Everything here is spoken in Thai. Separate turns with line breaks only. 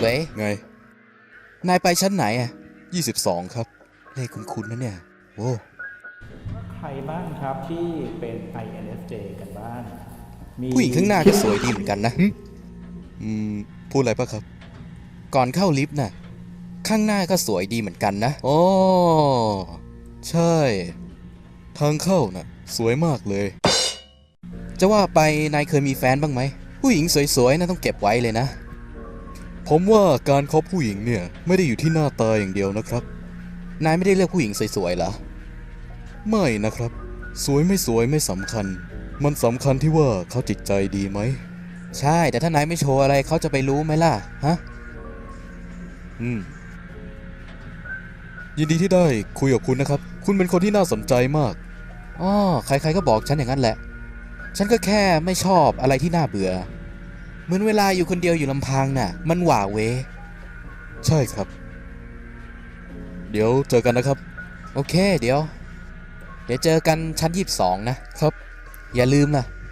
เว้ย
ไง
นายไปชั้นไหนอ่ะ
22 ครับ
เลขคุ้นๆนะเนี่ยโว้
ใครบ้างครับที่เป็น INFJ กันบ้างมี
ผู้หญิงข้างหน้าก็สวยดีเหมือนกันนะ
พูดอะไรปะครับ
ก่อนเข้าลิฟต์น่ะ ข้างหน้าก็สวยดีเหมือนกันนะ
อ๋อ ใช่ ทางเข้าน่ะ สวยมากเลย
จะว่าไปนายเคยมีแฟนบ้างไหม ผู้หญิงสวยๆนะต้องเก็บไว้เลยนะ
ผมว่าการคบผู้หญิงเนี่ยไม่ได้อยู่ที่หน้าตาอย่างเดียวนะครับ
นายไม่ได้เลือกผู้หญิงสวยๆเหรอ
ไม่นะครับ สวยไม่สวยไม่สำคัญ มันสำคัญที่ว่าเขาจิตใจดีไหม
ใช่ แต่ถ้านายไม่โชว์อะไรเขาจะไปรู้ไหมล่ะ ฮะ
ยินดีที่ได้คุยกับคุณนะครับ คุณเป็นคนที่น่าสนใจมาก
อ๋อ ใครๆก็บอกฉันอย่างนั้นแหละ ฉันก็แค่ไม่ชอบอะไรที่น่าเบื่อ เหมือนเวลาอยู่คนเดียวอยู่ลำพังน่ะ มันหว่าเว
ใช่ครับ เดี๋ยวเจอกันนะครับ
โอเค เดี๋ยวเจอกันชั้น22 นะ
ครับ
อย่าลืมล่ะ